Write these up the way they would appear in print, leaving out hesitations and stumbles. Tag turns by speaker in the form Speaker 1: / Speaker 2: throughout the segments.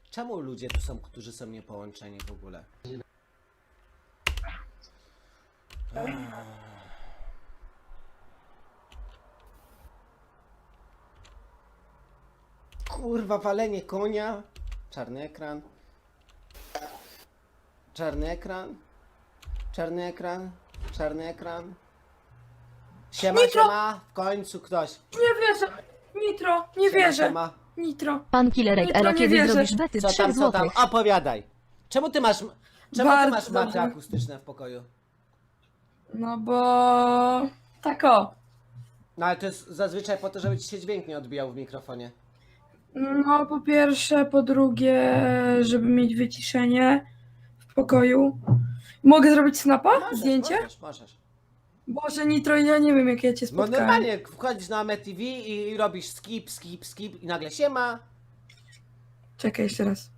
Speaker 1: Czemu ludzie tu są, którzy są niepołączeni w ogóle? Kurwa, walenie konia. Czarny ekran. Czarny ekran. Czarny ekran. Czarny ekran. Siema,
Speaker 2: Nitro!
Speaker 1: siema. W końcu ktoś.
Speaker 2: Nie wierzę! Nitro, nie
Speaker 1: Siema,
Speaker 2: wierzę!
Speaker 1: siema.
Speaker 2: Nitro.
Speaker 3: Pan Killerek
Speaker 2: Nitro,
Speaker 3: Elo,
Speaker 2: nie
Speaker 3: kiedy
Speaker 2: wierzę.
Speaker 3: zrobisz bety
Speaker 1: Co
Speaker 3: 3
Speaker 1: tam, co tam?
Speaker 3: złotych?
Speaker 1: Opowiadaj. Czemu ty masz
Speaker 2: Bardzo
Speaker 1: maty
Speaker 2: dobrze.
Speaker 1: akustyczne w pokoju?
Speaker 2: No bo... Tak o.
Speaker 1: No ale to jest zazwyczaj po to, żeby ci się dźwięk nie odbijał w mikrofonie.
Speaker 2: No po pierwsze, po drugie, żeby mieć wyciszenie w pokoju. Mogę zrobić snapa? Zdjęcie?
Speaker 1: Możesz.
Speaker 2: Boże, Nitro, ja nie wiem jak ja cię
Speaker 1: No
Speaker 2: spotkałem.
Speaker 1: normalnie wchodzisz na MeTV i robisz skip i nagle siema.
Speaker 2: Czekaj jeszcze raz.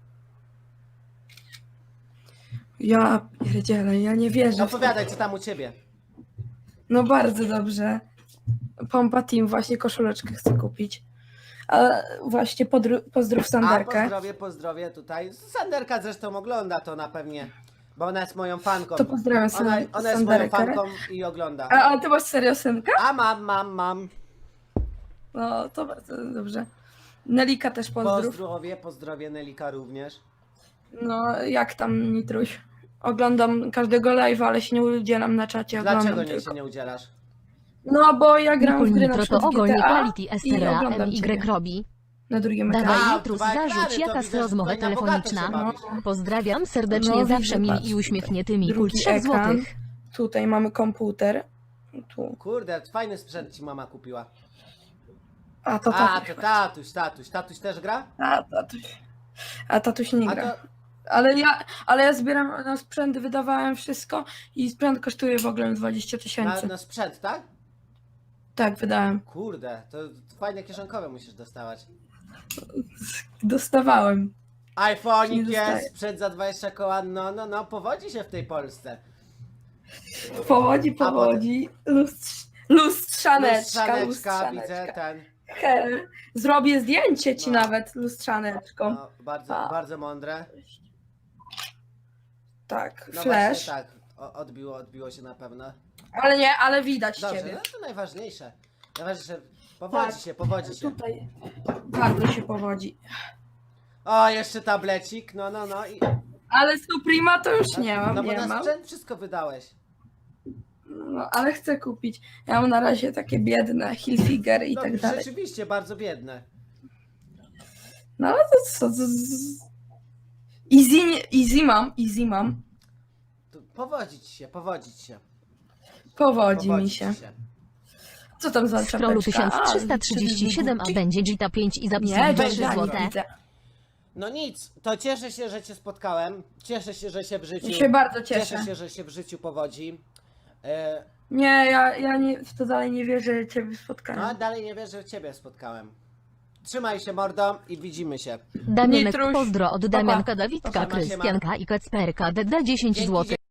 Speaker 2: Ja pierdzielę, ja nie wierzę.
Speaker 1: Opowiadaj, co tam u ciebie.
Speaker 2: No bardzo dobrze. Pompa Team, właśnie koszuleczkę chcę kupić. A właśnie pozdrów Sanderkę.
Speaker 1: Pozdrowie tutaj. Sanderka zresztą ogląda to na pewnie, bo ona jest moją fanką.
Speaker 2: To pozdrawiam
Speaker 1: Ona jest moją
Speaker 2: Sanderkę.
Speaker 1: fanką i ogląda.
Speaker 2: A ty masz serio synka?
Speaker 1: A mam.
Speaker 2: No to bardzo dobrze. Nelika też pozdrów.
Speaker 1: Pozdrowie Nelika również.
Speaker 2: No jak tam Nitruś? Oglądam każdego live'a, ale się nie udzielam na czacie.
Speaker 1: Dlaczego
Speaker 2: oglądam
Speaker 1: nie
Speaker 2: tylko.
Speaker 1: się nie udzielasz?
Speaker 2: No bo ja gram
Speaker 3: Nikul
Speaker 2: w gry na
Speaker 3: Nitro
Speaker 2: przykład
Speaker 3: to
Speaker 2: w
Speaker 3: ogólnie
Speaker 2: GTA
Speaker 3: quality
Speaker 2: i
Speaker 3: STRA
Speaker 2: oglądam
Speaker 3: MY
Speaker 2: ciebie
Speaker 3: robi.
Speaker 2: na drugim ekranie.
Speaker 3: Dawaj
Speaker 1: A,
Speaker 3: Nitrus,
Speaker 1: dwa ekrany,
Speaker 3: zarzuć
Speaker 1: to
Speaker 3: jaka
Speaker 1: widzę, że
Speaker 3: rozmowę
Speaker 1: tutaj na bogato się
Speaker 3: telefoniczna.
Speaker 1: bawisz.
Speaker 3: Pozdrawiam serdecznie,
Speaker 2: No,
Speaker 3: zawsze
Speaker 2: widzę,
Speaker 3: mili
Speaker 2: patrz
Speaker 3: i uśmiechniętymi. Kul
Speaker 2: Drugi
Speaker 3: 3
Speaker 2: ekran.
Speaker 3: złotych.
Speaker 2: Tutaj mamy komputer. Tu.
Speaker 1: Kurde, fajny sprzęt ci mama kupiła.
Speaker 2: A to
Speaker 1: A,
Speaker 2: tatuś.
Speaker 1: to tatuś też gra?
Speaker 2: A tatuś nie
Speaker 1: A
Speaker 2: gra.
Speaker 1: to...
Speaker 2: Ale ja zbieram na sprzęt, wydawałem wszystko i sprzęt kosztuje w ogóle 20 000.
Speaker 1: Na sprzęt, tak?
Speaker 2: Tak, wydałem.
Speaker 1: Kurde, to fajne kieszonkowe musisz dostawać.
Speaker 2: Dostawałem.
Speaker 1: iPhone'ik
Speaker 2: Nie dostaję.
Speaker 1: jest, sprzęt za 20 koła, no, powodzi się w tej Polsce.
Speaker 2: Powodzi. Lustrzaneczka.
Speaker 1: Widzę ten.
Speaker 2: Zrobię zdjęcie ci
Speaker 1: No.
Speaker 2: nawet lustrzaneczką.
Speaker 1: No, bardzo mądre.
Speaker 2: Tak,
Speaker 1: No
Speaker 2: flash.
Speaker 1: właśnie tak, odbiło się na pewno.
Speaker 2: Ale widać
Speaker 1: Dobrze,
Speaker 2: ciebie.
Speaker 1: no to najważniejsze. Najważniejsze,
Speaker 2: Tak.
Speaker 1: powodzi się.
Speaker 2: Tutaj bardzo się powodzi.
Speaker 1: O, jeszcze tablecik, no i...
Speaker 2: Ale Suprema to już nie mam,
Speaker 1: No bo
Speaker 2: nie
Speaker 1: na
Speaker 2: mam.
Speaker 1: sprzęt wszystko wydałeś.
Speaker 2: No, ale chcę kupić. Ja mam na razie takie biedne Hilfiger i
Speaker 1: No,
Speaker 2: tak dalej.
Speaker 1: rzeczywiście, bardzo biedne.
Speaker 2: No ale to co? Easy mam.
Speaker 1: To powodzić się.
Speaker 2: Powodzi mi się. Co tam za
Speaker 3: Scrollu
Speaker 2: czapeczka?
Speaker 3: 1337, a będzie Gita 5 i zapis
Speaker 2: Nie,
Speaker 3: za
Speaker 1: będzie
Speaker 3: 3
Speaker 2: nie
Speaker 3: złote.
Speaker 2: widzę.
Speaker 1: No nic, to cieszę się, że cię spotkałem. Cieszę się, że się w życiu...
Speaker 2: Ja się bardzo cieszę.
Speaker 1: Cieszę się, że się w życiu powodzi.
Speaker 2: Nie, ja nie, w to dalej nie wierzę, że ciebie
Speaker 1: No a
Speaker 2: spotkałem.
Speaker 1: dalej nie wierzę, że ciebie spotkałem. Trzymaj się, mordo, i widzimy się.
Speaker 3: Damianek
Speaker 2: Nitruś.
Speaker 3: pozdro od
Speaker 2: Pa, pa.
Speaker 3: Damianka, Dawidka,
Speaker 1: Siema, siema.
Speaker 3: Krystianka i Kacperka. DD 10
Speaker 1: Dzięki,
Speaker 3: złotych.